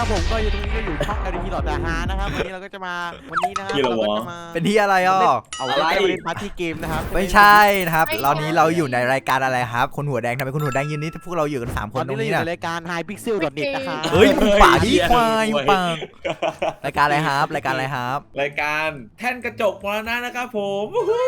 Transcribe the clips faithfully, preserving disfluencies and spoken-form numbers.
นะครับผมก็อยู่ตรงนี้ก็อยู่ช่อง แอล ดี พี หลอดแต่ฮานะครับวันนี้เราก็จะมาวันนี้นะครับเราก็จะมาเป็นที่อะไรอ่ะเอาอะไรเล่นปาร์ตี้เกมนะครับไม่ใช่นะครับตอนนี้เราอยู่ในรายการอะไรครับคนหัวแดงทำไมคนหัวแดงยืนนี่พวกเราอยู่กันสามคนตรงนี้นะรายการ High Pixel ดอท เน็ต นะครับเฮ้ยมึงป่าดีควายมึงป่ารายการอะไรครับรายการอะไรครับรายการแท่นกระจกมรณะนะครับผม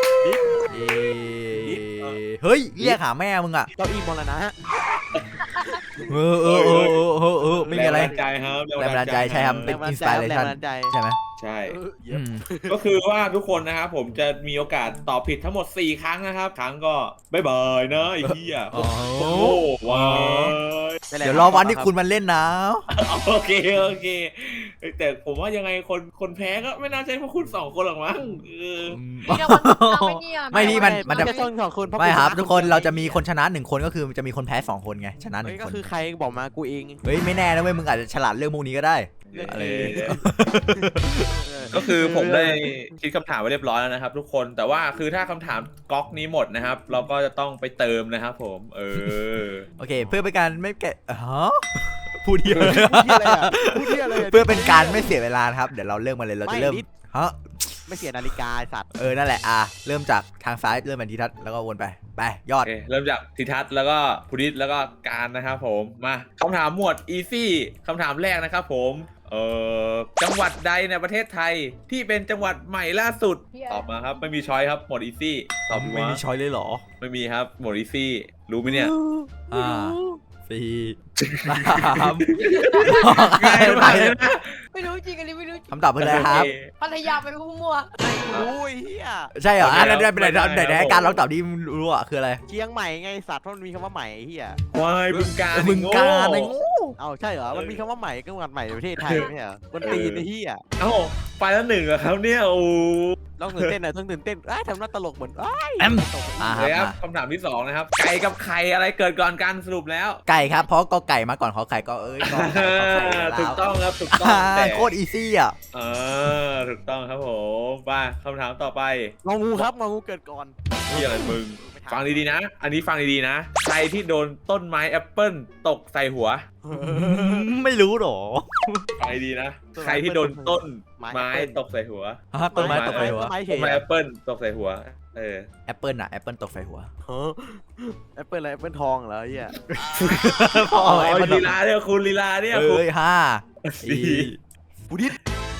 เฮ้ยเรียกหาแม่มึงอ่ะเก้าอี้มรณะเออเออเออเออเออไม่มีอะไรแรงบันดาลใจครับแรงบันดาลใจใช่ครับเป็นอินสปิเรชันใช่ไหมใช่ก็คือว่าทุกคนนะครับผมจะมีโอกาสตอบผิดทั้งหมดสี่ครั้งนะครับครั้งก็บ๊ายบายนะไอ้เหี้ยโอ้โหว้าวเดี๋ยวรอวันที่คุณมันเล่นนะโอเคโอเคแต่ผมว่ายังไงคนคนแพ้ก็ไม่น่าใช่พวกคุณสองคนหรอกมั้งไม่พี่มันมันจะสองคนไม่ครับทุกคนเราจะมีคนชนะหนึ่งคนก็คือจะมีคนแพ้สองคนไงชนะหนึ่งคนก็คือใครบอกมากูเองเฮ้ยไม่แน่นะเว้ยมึงอาจจะฉลาดเรื่องพวกนี้ก็ได้อะไรก็คือผมได้คิดคำถามไว้เรียบร้อยแล้วนะครับทุกคนแต่ว่าคือถ้าคำถามก๊อกนี้หมดนะครับเราก็จะต้องไปเติมนะครับผมเออโอเคเพื่อเป็นการไม่แกะฮะพูดเยอะเพื่อเป็นการไม่เสียเวลาครับเดี๋ยวเราเริ่มมาเลยเราจะเริ่มฮะไม่เสียนาฬิกาสัตว์เออนั่นแหละอ่ะเริ่มจากทางซ้ายเริ่มเป็นทิทัศน์แล้วก็วนไปไปยอดเริ่มจากทิทัศน์แล้วก็พุทธิแล้วก็การนะครับผมมาคำถามหมวดอีซี่คำถามแรกนะครับผมเอ่อจังหวัดใดในประเทศไทยที่เป็นจังหวัดใหม่ล่าสุดตอบมาครับไม่มีช้อยครับหมวดอีซี่ตอบไม่มีช้อยเลยเหรอไม่มีครับหมวดอีซี่รู้ไหมเนี่ยอ่าสี่สามไม่รู้จริงอันนี้ไม่รู้คำตอบเป็นอะไรครับพัทยาไปพุ่งมัวโอ้ยเฮียใช่เหรออันนั้นได้เป็นไหนไหนไหนการลองตอบดิรู้อ่ะคืออะไรเชียงใหม่ไงสัตว์เพราะมันมีคำว่าใหม่เฮียควายบึงกาฬบึงกาฬไอ้งูเอาใช่เหรอมันมีคำว่าใหม่จังหวัดใหม่ในประเทศไทยไม่ใช่เหรอคนตีนไอ้เฮียเอ้าไปแล้วหนึ่งเหรอครับเนี่ยโอ้ต้องตื่นเต้นหน่อยต้องตื่นเต้นทำหน้าตลกเหมือนแอมเลยครับคำถามที่สองนะครับไก่กับไข่อะไรเกิดก่อนกันสรุปแล้วไก่ครับเพราะก็ไก่มาก่อนขอไข่ก็เอ้ยถูกต้องครับถูกต้องแต่โคตรอีซี่อ่ะเออถูกต้องครับผมมาคำถามต่อไปงองูครับงองูเกิดก่อนนี่อะไรมึงฟังดีๆนะอันนี้ฟังดีๆนะใครที่โดนต้นไม้แอปเปิ้ลตกใส่หัวไม่รู้หรอฟังดีๆนะใครที่โดนต้นไม้ตกใส่หัวต้นไม้ตกใส่หัวต้นไม้แอปเปิ้ลตกใส่หัวเออแอปเปิ้ลอะแอปเปิ้ลตกใส่หัวแอปเปิ้ลอะไรแอปเปิ้ลทองเหรอเฮียอ๋อลีลาเนี่ยคุณลีลาเนี่ยเอ้ยห้าสี่บุดิษ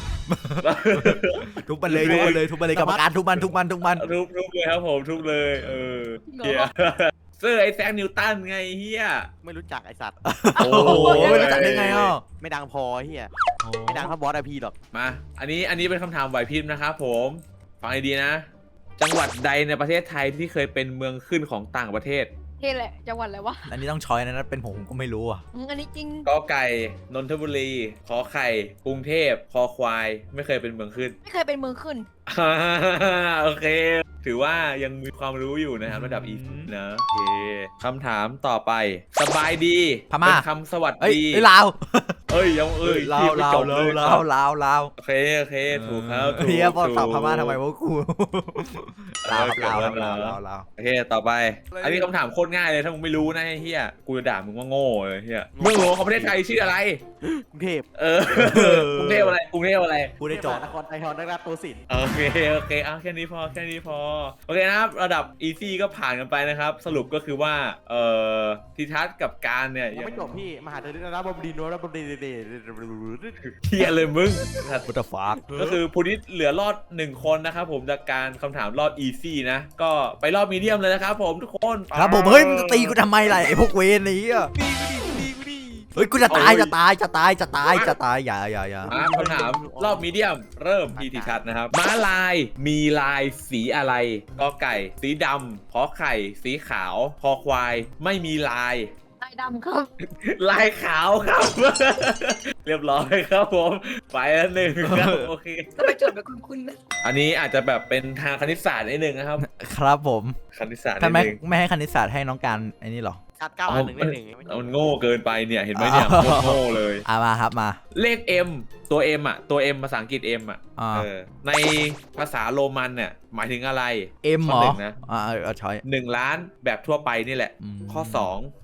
ทุบมันเลยทุบมันเลยทุบมันเลยกรรมการทุบมันทุบมันทุบมันทุบทุบเลยครับผมทุบเลยเออเฮียเสื้อไอ้แซงนิวตันไงเฮียไม่รู้จักไอ้สัตว์โอ้โหไม่รู้จักได้ไงอ่ะไม่ดังพอเฮียไม่ดังเท่าบอสไอพีหรอกมาอันนี้อันนี้เป็นคำถามไหวพริบนะครับผมฟังดีๆนะจังหวัดใดในประเทศไทยที่เคยเป็นเมืองขึ้นของต่างประเทศเท่แหละจังหวัดอะไรวะอันนี้ต้องช้อยนะเป็นผมก็ไม่รู้อ่ะอันนี้จริงกอไก่นนทบุรีขอไข่กรุงเทพคอควายไม่เคยเป็นเมืองขึ้นไม่เคยเป็นเมืองขึ้นโอเคถือว่ายังมีความรู้อยู่นะครับระดับอีนะโอเคคำถามต่อไปสบายดีพม่าคำสวัสดีลาวเอ้ยยังเอ้ยลาวลาวลาวลาวลาวโอเคโอเคถูกครับเฮียบอกตอบพม่าทำไมวะกูลาวลาวลาวลาวโอเคต่อไปอันนี้คำถามโคตรง่ายเลยถ้ามึงไม่รู้นะเฮียกูจะด่ามึงว่าโง่เลยเฮียเมืองหลวงของประเทศไทยชื่ออะไรกรุงเทพเออกรุงเทพอะไรกรุงเทพอะไรกูได้จบนครไทยฮอนได้รับตัวสินโอเคโอเคเอาแค่นี้พอแค่นี้พอโอเคนะครับระดับอีซี่ก็ผ่านกันไปนะครับสรุปก็คือว่าเอ่อทิทัศน์กับการเนี่ยยังไม่จบพี่มหาเทรราบดินโนราบดินเดเฮียเลยมึงพุทธฟ้าก็คือพุทธิเหลือรอดหนึ่งคนนะครับผมจากการคำถามรอบอีซี่นะก็ไปรอบมีเดียมเลยนะครับผมทุกคนครับผมเฮ้ยมึงตีกูทำไมล่ะไอ้พวกเวรนี้อ่ะเฮ้ยกูจะตายจะตายจะตายจะตายจะตายอย่าอย่าอย่าคำถามรอบมีเดียมเริ่มที่ทิทัศน์นะครับม้าลายมีลายสีอะไรกอไก่สีดำขอไข่สีขาวคอควายไม่มีลายลายดำครับลายขาวครับเรียบร้อยครับผมไปแล้วหนึ่งครับโอเคก็ไปจดแบบคุณๆนะอันนี้อาจจะแบบเป็นทางคณิตศาสตร์นิดนึงนะครับครับผมคณิตศาสตร์ทำไมไม่ให้คณิตศาสตร์ให้น้องการไอ้นี่หรอชัดเก้าหนึ่งหนึ่งมันโง่เกินไปเนี่ยเห็นไหมเนี่ยโง่เลยอ่ะมาครับมาเลข M ตัว M อ่ะตัว M ภาษาอังกฤษ M อ่ะในภาษาโรมันเนี่ยหมายถึงอะไร M หรอนะอ่าเอาช้อยหนึ่งล้านแบบทั่วไปนี่แหละข้อสอง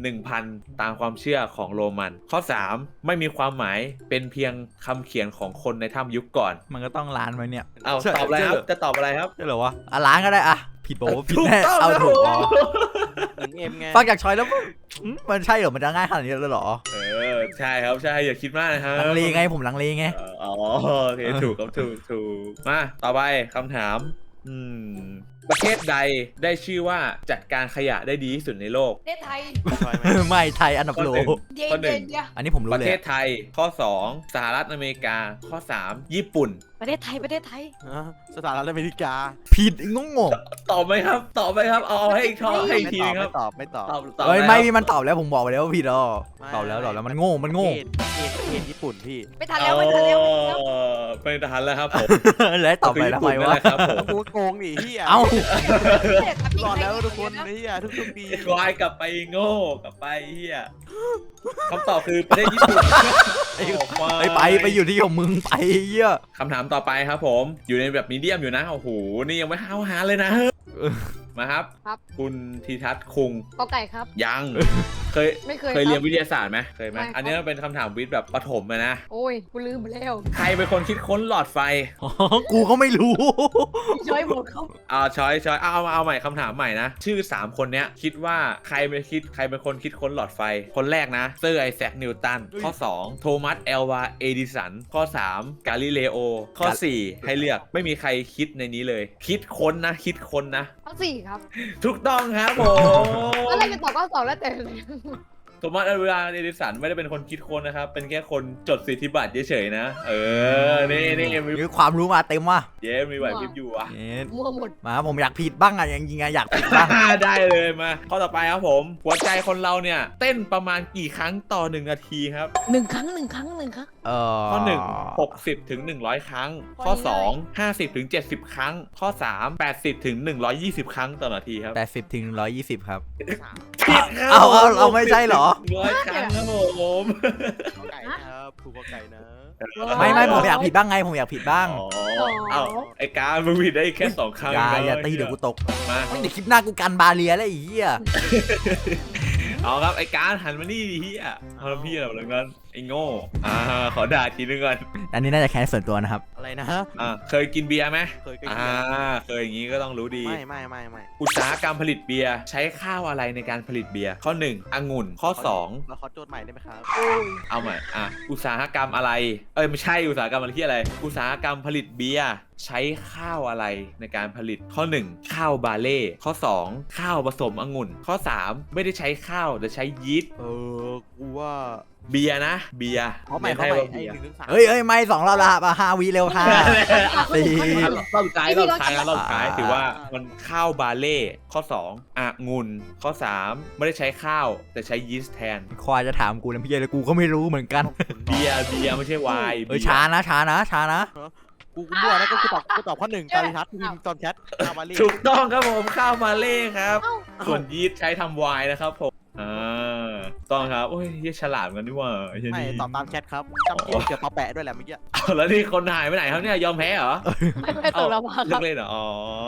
หนึ่งพัน ตามความเชื่อของโรมัน ข้อ สาม ไม่มีความหมายเป็นเพียงคำเขียนของคนในถ้ำยุคก่อนมันก็ต้องล้านไว้เนี่ยเอาตอบอะไรครับจะตอบอะไรครับใช่เหรอวะอ่ะล้านก็ได้อ่ะผิดบอกว่าผิดแน่ถูกต้องเอาถูกอ๋อหนึ่งเอ็มไงฟังจากชอยแล้วอืมมันใช่เหรอมันจะง่ายขนาดนี้เลยเหรอเออใช่ครับใช่อย่าคิดมากนะครับลังเลไงผมลังเลไงเอออ๋อโอเคถูกครับถูกถูกมาต่อไปคำถามอืมประเทศใดได้ชื่อว่าจัดการขยะได้ดีที่สุดในโลกประเทศไทยชอยไหมไม่ไทยอันดับโลข้อหนึ่งเย็นข้อหนึ่เย็งนเย็นอันนี้ผมรู้ประเลยเทศอะไทยข้อ สอง สหรัฐอเมริกา ข้อ สาม ญี่ปุ่นประเทศไทยประเทศไทยฮะสถานรัฐอเมริกาผิดงงงตอบไหมครับ ตอบไหมครับ เอาเอาให้อีกทอให้อีกทีนึงครับไม่ตอบไม่ตอบตอบตอบเฮ้ยแล้วไม่มีมันตอบแล้วผมบอกไปแล้วว่าผิดอ๋อไม่ตอบแล้วตอบแล้วมันโง่มันโง่ประเทศประเทศประเทศญี่ปุ่นพี่ไม่ทันแล้วไม่ทันแล้วไม่ทันแล้วเออไม่ทันแล้วครับผมแล้วตอบไปทำไมวะคือญี่ปุ่นนั่นแหละครับผมกูโกงดิเฮียเอ้ารอดแล้วทุกคนเฮียทุกทุกๆปีควายกลับไปโง่กลับไปเฮียคำตอบคือประเทศญี่ปุ่นไอ้โอ้ควายไปไปไปอยู่ที่ของมึงไปเหี้ยคำถามต่อไปครับผมอยู่ในแบบมีเดียมอยู่นะโอ้โหนี่ยังไม่ห้าวหาเลยนะมาครับครับคุณทีทัศน์คุงกอไก่ครับยังเคยไม่เคยเคยเรียนครับวิทยาศาสตร์ไหมเคยไหมไม่ครับอันนี้มันเป็นคำถามวิทย์แบบประถมเลยนะโอ้ยกูลืมไปแล้วใครเป็นคนคิดค้นหลอดไฟอ๋อกูก็ไม่รู้ช่วยหมดเขาอ่าช้อยช้อยเอาเอาเอาใหม่คำถามใหม่นะ ชื่อ สาม คนเนี้ยคิดว่าใครเป็นคิดใครเป็นคนคิดค้นหลอดไฟ คนแรกนะเซอร์ไอแซคนิวตันข้อ สอง โทมัสเอลวาเอดิสันข้อ สาม กาลิเลโอข้อ สี่ ให้เลือกไม่มีใครคิดในนี้เลย คิดค้นนะคิดค้นนะทั้งสี่ครับถูกต้องครับผมแล้วอะไรจะตอบก็ตอบแล้วแต่เลยโทมัสเอลวาเอดิสันไม่ได้เป็นคนคิดค้นนะครับ เป็นแค่คนจดสิทธิบัตรเฉยๆนะ เออ นี่นี่มีมีความรู้มาเต็มว่ะเย้มีไหวพริบอยู่อ่ะเอ๊ะมั่วหมดมาผมอยากผิดบ้างอ่ะยังยิงไงอยากผิดบ้างได้เลยมา ข้อต่อไปครับผม หัวใจคนเราเนี่ย เต้นประมาณกี่ครั้งต่อหนึ่งนาทีครับหนึ่งครั้งหนึ่งครั้งหนึ่งครั้งเออข้อหนึ่ง หกสิบถึงหนึ่งร้อยครั้ง ข้อสอง ห้าสิบถึงเจ็ดสิบครั้ง ข้อสาม แปดสิบถึงหนึ่งร้อยยี่สิบครั้งต่อนาทีครับแปดสิบถึงร้อยยี่สิบครับผิดครับเอาเอาเอาไม่ใช่เหรอร้อยครั้งครับผมกอไก่นะครับถูกกอไก่นะไม่ไม่ผมอยากผิดบ้างไงผมอยากผิดบ้างอ๋อเอาไอ้การมึงผิดได้แค่สองครั้งอย่านะอย่าตีเดี๋ยวกูตกมาไม่เดี๋ยวคลิปหน้ากูกันบาเลียแล้วไอ้เหี้ยเอาครับไอ้การหันมานี่ดิเฮียเอาแล้วพี่อะไรแบบนั้นไอ้โง่อ่าขอด่าทีนึงก่อนอันนี้น่าจะแค้นส่วนตัวนะครับอะไรนะอ่าเคยกินเบียร์ไหมเคยกินอ่าเคยอย่างนี้ก็ต้องรู้ดีไม่ไม่ไม่ไม่อุตสาหกรรมผลิตเบียร์ใช้ข้าวอะไรในการผลิตเบียร์ข้อหนึ่งองุ่นข้อสองเราขอโจทย์ใหม่ได้ไหมครับโอ้ยเอาใหม่อ่ะอุตสาหกรรมอะไรเอ้ยไม่ใช่อุตสาหกรรมอะไรที่อะไร อุตสาหกรรมผลิตเบียร์ใช้ข้าวอะไรในการผลิตข้อหนึ่งข้าวบาเล่ข้อสองข้าวผสมองุ่น ข้อสามไม่ได้ใช้ข้าวแต่ใช้ยีสต์เออกูว่าเบียร์นะเบียร์เขาใหม่เขาให้ใหม่ว่าไอ้เบียร์หนึ่งถึงสามเฮ้ยเฮ้ยไม่สองรอบละมาห้าวิเร็วห้า สี่รอบสุดท้ายรอบสุดท้ายนะรอบสุดท้ายถือว่ามันข้าวบาเล่ข้อสององุ่นข้อสามไม่ได้ใช้ข้าวแต่ใช้ยีสต์แทนควายจะถามกูนะพี่เลยกูก็ไม่รู้เหมือนกันเบียร์เบียร์ไม่ใช่ไวน์เอ้ยช้านะช้านะช้านะกูกูมั่วนะก็คือตอบกูตอบข้อหนึ่งการิทัศน์พิมพ์ตอนแชทอามาลีถูกต้องครับผมข้าวมาเล่ครับเอ้าส่วนยีสต์ใช้ทำไวน์นะครับผมอ่าต้องครับโอ้ยเหี้ยฉลาดเหมือนกันนี่หว่าเหี้ยไม่นี่ตอบตามแชทครับจำเกียเกี่ยวกับแปะด้วยแหละเมื่อกี้เอาแล้วนี่คนหายไปไหนครับเนี่ยยอมแพ้เหรอไม่ไม่ตกแล้วมาคเลิรับกเล่นเหรออ๋อ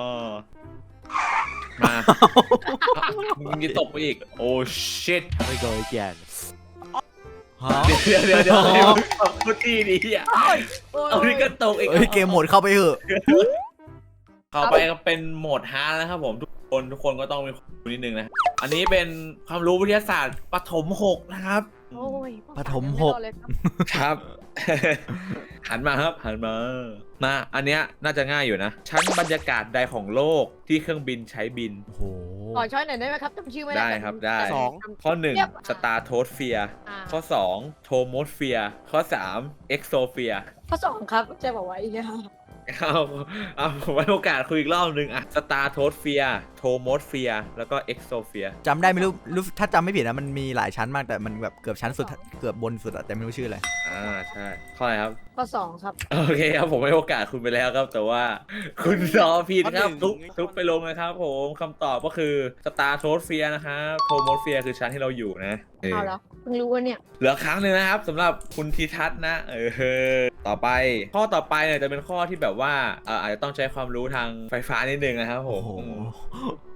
มามึงจะตกไปอีกโอ้ชิตไม่เคยเกียนฮะเดี๋ยวเดี๋ยวเดี๋ยวเดี๋ยวตบกูตีดิเฮียโอ้ยเอานี่ก็ตกอีกเอ้ยเกมโหมดเข้าไปเถอะเข้าไปก็เป็นโหมดฮาร์ดนะครับผมทุกคนทุกคนก็ต้องมีความรู้นิดนึงนะอันนี้เป็นความรู้วิทยาศาสตร์ปฐมหกนะครับโอ้ยปฐมหกไรอดเลยครับครับ หันมาครับหันมานะอันเนี้ยน่าจะง่ายอยู่นะ ชั้นบรรยากาศใดของโลกที่เครื่องบินใช้บินโอ้โหขอช้อยหน่อยได้ไหมครับจำชื่อไม่ได้ได้ครับได้แต่สองข้อหนึ่งเรียบสตาร์โทสเฟียร์อ่าข้อสองโทโมสเฟียร์ข้อสามเอ็กโซเฟียร์ข้อสองครับเจะบอกไว้เนี่ยเอาเอาผมไว้โอกาสคุยอีกรอบหนึ่งอะสตาร์โทสเฟียร์โทโมสเฟียร์แล้วก็เอ็กโซเฟียร์จำได้ไม่รู้รู้ถ้าจำไม่ผิดนะมันมีหลายชั้นมากแต่มันแบบเกือบชั้นสุดเกือบบนสุดอะแต่ไม่รู้ชื่ออะไรอ่าใช่ข้ออะไรครับข้อสองครับโอเคครับผมให้โอกาสคุณไปแล้วครับ แต่ว่าคุณตอบผิดครับทุกทุกไปลงนะครับผมคำตอบก็คือสตาร์โทสเฟียร์นะครับโทโมสเฟียร์คือชั้นที่เราอยู่นะเออเอาแล้วเพิ่งรู้ว่าเนี่ยเหลือครั้งหนึ่งนะครับสำหรับคุณทีทัศน์นะเออต่อไป ข้อต่อไปเนี่ยจะเป็นข้อที่แบบว่าเอ่ออาจจะต้องใช้ความรู้ทางไฟฟ้านิดนึงนะครับผโอ้มโห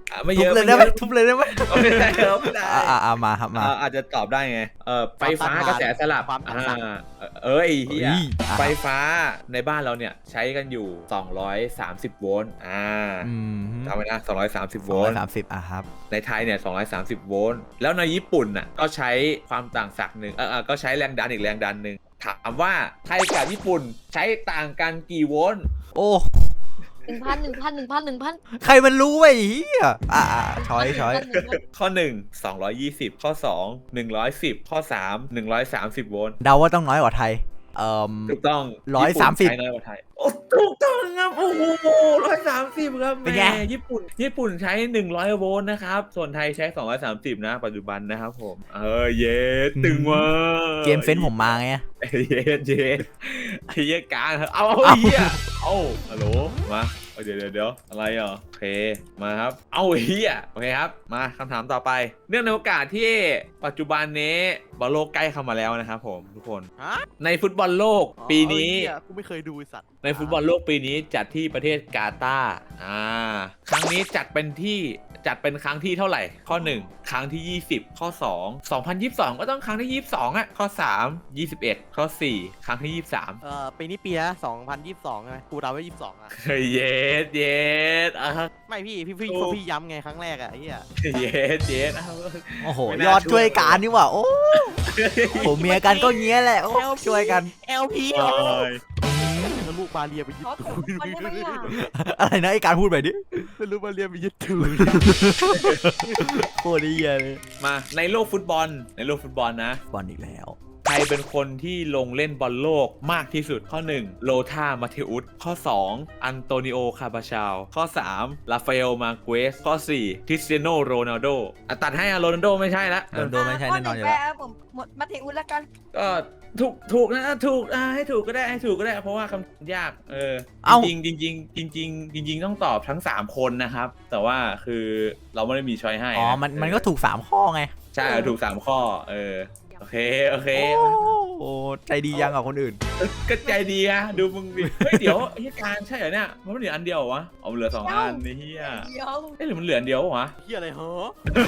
อ่ะไม่ทุเยบอะเลยไม่ได้เยไหมอะทุบเลยได้ไหมเอาไม่ได้ครับไม่ได้อ่าอ่ามาครับมาอ่าอาจจะตอบได้ไงเออไฟฟ้ากระแสสลับอ่าเอ้ยเฮียเฮ้ยอ่ะไฟฟ้าในบ้านเราเนี่ยใช้กันอยู่สองร้อยสามสิบโวลต์อ่าอืมจำไว้นะสองร้อยสามสิบโวร้อลยต์สามสิบอ่ะครับในไทยเนี่ยสองร้อยสามสิบโวลต์แล้วในญี่ปุ่นน่ะก็ใช้ความต่างศักย์หนึ่งเออเออก็ใช้แรงดันอีกแรงดันหนึ่งถามว่าไทยกับญี่ปุ่นใช้ต่างกันกี่โวลต์โอ้หนึ่งพันหนึ่งพันหนึ่งพันหนึ่งพันใครมันรู้ไอ้เหี้ยอ่าอ่าช้อยช้อยข้อหนึ่ง สองร้อยยี่สิบ ข้อสอง หนึ่งร้อยสิบ ข้อสาม หนึ่งร้อยสามสิบโวลต์เดาว่าต้องน้อยกว่าไทยเอ่อถูกต้องร้อยสามสิบญี่ปุ่นใช้น้อยกว่าไทยโอ้ถูกต้องครับโอ้โหร้อยสามสิบครับเป็นไงแม่ญี่ปุ่นญี่ปุ่นใช้หนึ่งร้อยโวลต์นะครับส่วนไทยใช้สองร้อยสามสิบนะปัจจุบันนะครับผมเออเย็ดตึงว่ะเกมเซนส์ผมมาไงเย็ดเย็ดไอ้เหี้ยกลางเอาเอาไอ้เหี้ยเอาฮัลโหลมาเอาเดี๋ยวเดี๋ยวเดี๋ยวอะไรอ่ะโอเคมาครับเอาไอ้เหี้ยโอเคครับมาคำถามต่อไปเนื่องในโอกาสที่ปัจจุบันนี้บอลโลกใกล้เข้ามาแล้วนะครับผมทุกคนฮะในฟุตบอลโลกปีนี้อ๋อเหี้ยกูไม่เคยดูไอ้สัตว์ในฟุตบอลโลกปีนี้จัดที่ประเทศกาตาร์อ่าครั้งนี้จัดเป็นที่จัดเป็นครั้งที่เท่าไหร่ ข้อหนึ่งครั้งที่ยี่สิบข้อสอง สองพันยี่สิบสองก็ต้องครั้งที่ยี่สิบสองอ่ะข้อสาม ยี่สิบเอ็ดข้อสี่ครั้งที่ยี่สิบสามเอ่อปีนี้ปีนะสองพันยี่สิบสองใช่ไหมกูเดาไว้ยี่สิบสองอะเย็ดเย็ดอ่ะไม่พี่พี่พี่โอ้พี่ย้ำไงครั้งแรกอะไอ้เหี้ยเย็ดเย็ดอ่ะโอ้โหไม่น่ายอดช่วยช่วยการนี่หว่าโอ้ผมเมียกันก็เงี้ยแหละโอ้ช่วยกันเอลพีโอ้ยแล้วลูกบาเลียไปยึดเขาตูถูกคนได้ไหมอ่ะอะไรนะไอ้การพูดไปดิแล้วลูกบาเลียไปยึดตูดโคตรเหี้ยเลยมาในโลกฟุตบอลในโลกฟุตบอลนะบอลอีกแล้วใครเป็นคนที่ลงเล่นบอลโลกมากที่สุดข้อหนึ่งโลธามาเทอุสข้อสองอันโตนิโอคาบาชาลข้อสามราฟาเอลมาเกสข้อสี่คริสเตียโนโรนัลโดอ่ะตัดให้อะโรนัลโดไม่ใช่ละโรนลโดไม่ใช่แน่นอนอยู่แล้แล้ววผมหมดมาเทอุสแล้วกันก็ถูกถูกนะถูกอ่ะให้ถูกก็ได้ให้ถูกก็ได้ เพราะว่าคำยากเออเอ้าจริงจริงจริงจริงๆจริง ๆ ต้องตอบทั้งสามคนนะครับ แต่ว่าคือเราไม่ได้มีช้อยให้อ๋อนะมันเออมันก็ถูกสามข้อไงใช่ถูกสามข้อเออโอเคโอเคโอ้โหใจดียังกับคนอื่นก็ใจดีอะดูมึงดิเฮ้ยเดี๋ยวไอ้การใช่เหรอเนี่ยมันเหลืออันเดียวเหรอวะเอาเหลือสองอันนี่เฮียเดี๋ยวเอ้ยหรือมันเหลืออันเดียววะเหี้ยอะไรเหรอ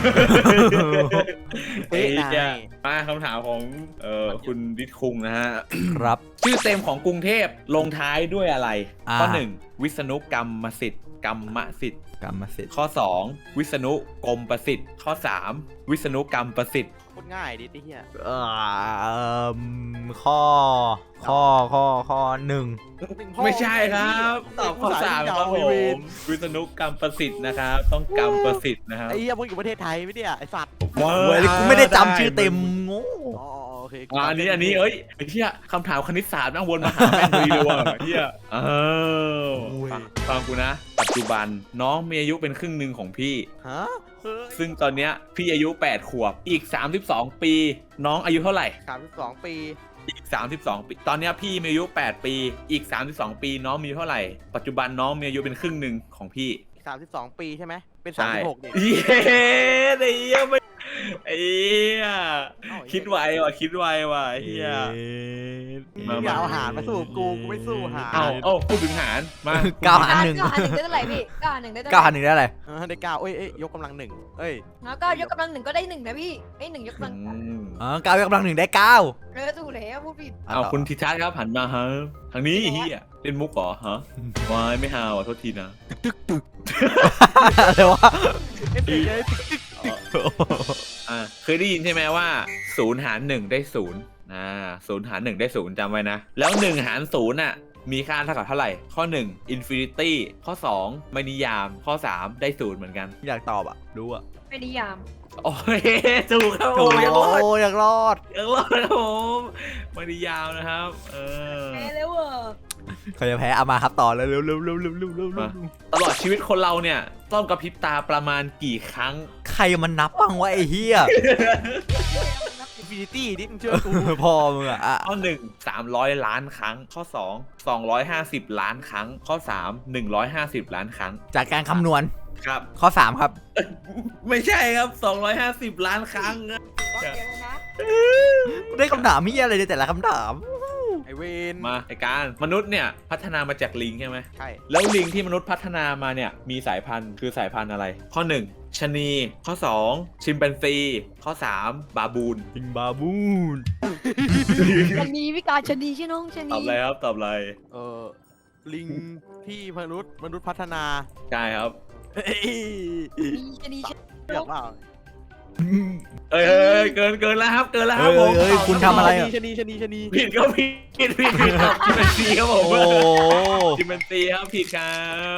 เฮ้ยเป๊ะจะนายมาคำถามของเอ่อคุณดิษคุงนะฮะครับชื่อเต็มของกรุงเทพลงท้ายด้วยอะไรอ่าข้อหนึ่งวิษณุกรรมสิทธิ์กรรมสิทธิ์กรรมสิทธิ์ข้อสองวิษณุกรมประสิทธิ์ ข้อสามวิษณุกรรมประสิทธิ์โคตรง่ายดิไอ้เหี้ยเอ่อข้อ ข้อ ข้อ ข้อหนึ่งไม่ใช่ครับตอบข้อสามครับผมวิษณุกรรมประสิทธิ์นะครับต้องกรรมประสิทธิ์นะครับไอ้เหี้ยพวกอยู่ประเทศไทยไม่เนี่ยไอ้สัตว์เว้ยกูไม่ได้จำชื่อเต็มโง่อ๋อโอเคอ่าอันนี้อันนี้เอ้ยไอ้เหี้ยคำถามคณิตศาสตร์นั่งวนมาหาแม่งเลยเลยว่ะเหี้ยอ้าวฟังฟังกูนะ ปัจจุบันน้องมีอายุเป็นครึ่งหนึ่งของพี่ฮะเฮ้ยซึ่งตอนเนี้ยพี่อายุแปดขวบอีกสามสิบสองปี น้องอายุเท่าไหร่สามสิบสองปีอีกสามสิบสองปีตอนเนี้ยพี่มีอายุแปดปีอีกสามสิบสองปีน้องมีอายุเท่าไหร่ ปัจจุบันน้องมีอายุเป็นครึ่งหนึ่งของพี่สามสิบสองปีใช่ไหมเป็นสามใช่สิบหกดิเย้ไอ้เหี้ยไม่ไอ้เหี้ยเอ้าคิดไวว่ะคิดไวว่ะไอ้เหี้ยมึงอย่าเอาหารมาสู้กับกูกูไม่สู้หารเอาเอาพูดถึงหารมาเก้าหารหนึ่งเก้าหารหนึ่งได้เท่าไหร่พี่เก้าหารหนึ่งได้เท่าไหเก้าร่หารหนึ่งได้อะไรเออได้เก้าเอ้ยเอ้ยยกกำลังหนึ่งเอ้ยแล้วก็ยกกำลังหนึ่งก็ได้หนึ่งนะพี่ไอ้ยหนึ่งยกกำลังอืมอ๋อเก้ายกกำลังหนึ่งได้เก้าเออถูกแล้วพูดผิดเอาคุณทิทัศน์ครับหันมาฮะทางนี้เฮียเล่นมุกเหรอฮะวายไม่ฮาวอ่ะโทษทีนะอะไรวะเอฟเฟกต์เลยติ๊กอ่าเคยได้ยินใช่ไหมว่าศูนย์หารหนึ่งได้ศูนย์อ่าศูนย์หารหนึ่งได้ศูนย์จำไว้นะ แล้วหนึ่งหารศูนย์อ่ะมีค่าเท่ากับเท่าไหร่ ข้อหนึ่ง infinity ข้อสองไม่นิยาม ข้อสามได้ศูนย์เหมือนกันอยากตอบอ่ะ รู้อ่ะไม่นิยามโอ้ยถูกครับผโอ้มยังรอดอยากรอดยังรอดครับผมไม่นิยามนะครับเออแพ้แล้วเหรอใครจะแพ้เอามาครับต่อเลยเร็วเร็วเร็วเร็วเร็วเร็วมา ตลอดชีวิตคนเราเนี่ยต้องกระพริบตาประมาณกี่ครั้งใครมันนับบ้างวะไอ้เหี้ยอินฟินิตี้ดิมึงเชื่อกูพ่อมึงอ่ะอ่ะข้อหนึ่งสามร้อยล้านครั้ง ข้อสองสองร้อยห้าสิบล้านครั้ง ข้อสามหนึ่งร้อยห้าสิบล้านครั้งจากการคำนวณครับข้อสามครับไม่ใช่ครับสองร้อยห้าสิบล้านครั้งก็เดี๋ยวนะได้คำถามมียอะไรในแต่ละคำถามไอ้เวนมาไอการมนุษย์เนี่ยพัฒนามาจากลิงใช่ไหมใช่แล้วลิงที่มนุษย์พัฒนามาเนี่ยมีสายพันธุ์คือสายพันธุ์อะไร ข้อหนึ่งชะนี ข้อสองชิมแปนซี ข้อสามบาบูนลิงบาบูนชนีวิกาชนีใช่น้องชตนีอบอะไรครับตอบอะไรเออลิงที่มนุษย์มนุษย์พัฒนาใช่ครับเฮ้ยมีชนีชเรื่องเปล่าเอ้ยเอ้ยเกินเกินแล้วครับเกินแล้วครับเฮ้ยผมเฮ้ยคุณทำอะไรอ่ะชนีชนีชนีผิดก็ผิดผิดผิดผิดครับชิมแปนซีครับผมโอ้ชิมแปนซีครับผิดครับ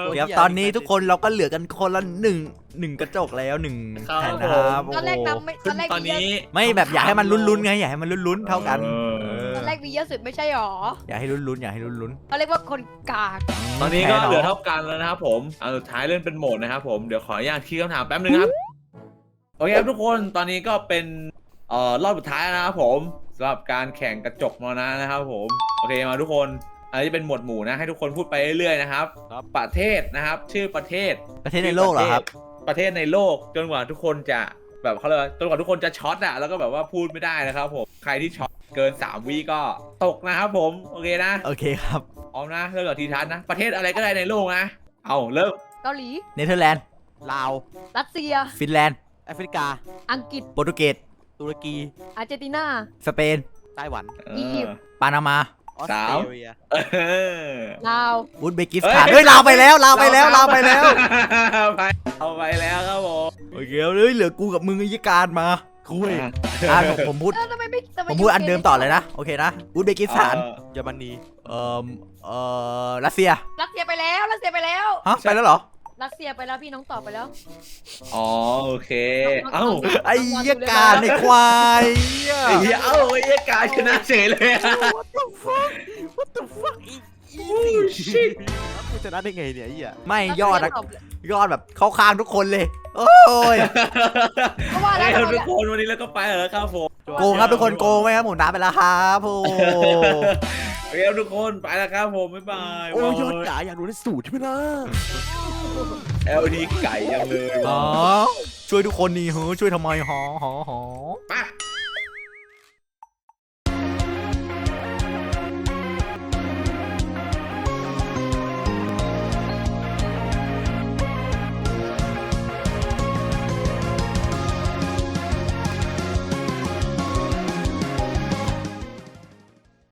เดี๋ยวตอนนี้ทุกคนเราก็เหลือกันคนละหนึ่งหนึ่งกระจกแล้วหนึ่งแผ่นนะครับตอนแรกโอ้นำไม่ตอนแรกตอนมีเยนี้อะไม่แบบอยากให้มันลุ้นๆไงอยากให้มันลุ้นๆเท่ากันเออเออตอนแรกมีเยอะสุดไม่ใช่หรออยากให้ลุ้นๆอยากให้ลุ้นเขาเรียกว่าคนกากๆตอนนี้ก็แพ้เหลือนาะเท่ากันแล้วนะครับผมอันสุดท้ายเล่นเป็นโหมดนะครับผมเดี๋ยวขออนุญาตคิดคำถามแป๊บนึงครับโอเคครับทุกคนตอนนี้ก็เป็นเอ่อรอบสุดท้ายแล้วนะครับผมสำหรับการแข่งกระจกมรณะนะครับผมโอเคมาทุกคนอันนี้จะเป็นหมวดหมู่นะให้ทุกคนพูดไปเรื่อยๆนะครับประเทศนะครับชื่อประเทศประเทศในโลกเหรอครับประเทศในโลกจนกว่าทุกคนจะแบบเขาเรียกว่าจนกว่าทุกคนจะช็อตอะแล้วก็แบบว่าพูดไม่ได้นะครับผมใครที่ช็อตเกินสามวิก็ตกนะครับผมโอเคนะโอเคครับพร้อมนะเริ่มจากทีทัศน์นะประเทศอะไรก็ได้ในโลกนะเอาเริ่มเกาหลีเนเธอร์แลนด์ลาวรัสเซียฟินแลนด์แอฟริกาอังกฤษโปรตุเกสตุรกีอาร์เจนตินาสเปนไต้หวันอียิปต์ปานามาออสสาเตมรเลียเออลาวอุซเบกิสถานเฮ้ยลาวไปแล้วลาวไปแล้วลาวไปแล้วไปเอาไปแล้วครับผมโอเคเฮ้ยเหลือกูกับมึงไอ้ยี่การมาคุยอ่ะผมผมพูดเออทำไมไม่ทำไผมพูดอันเดิมต่อเลยนะโอเคนะอุซเบกิสถานเยอรมนีเอ่อเอ่อรัสเซียรัสเซียไปแล้วรัสเซียไปแล้วฮะไปแล้วเหรอรัสเซียไปแล้วพี่น้องตอบไปแล้วอ๋อโอเคเอ้าไอ้ยี่การในควายเหี้ยไอ้เหี้ยเอ้าไอ้เหี้ยกายชนะเฉยเลยอะ What the fuck What the fuck easy shit กูชนะได้ไงเนี่ยไอ้เหี้ยไม่ยอดรัอะสเซีตบเลยยอดแบบเข้าข้างทุกคนเลย โอ้ยเพราะว่าแล้วเอ้ยทำไมทุกคนวันนี้แล้วก็ไปแล้วครับผมโกงครับทุกคนโกงไหมครับผมน้ำไปแล้วครับโอ้โอเคครับทุกคนไปแล้วครับผมบ๊ายบายโอ้ยยอดจ๋าอยากรู้ในสูตรใช่ไหมล่ะแอลดีไก่ยังเลยอ๋อช่วยทุกคนนี่เฮ้ยช่วยทำไมหอหอหอไป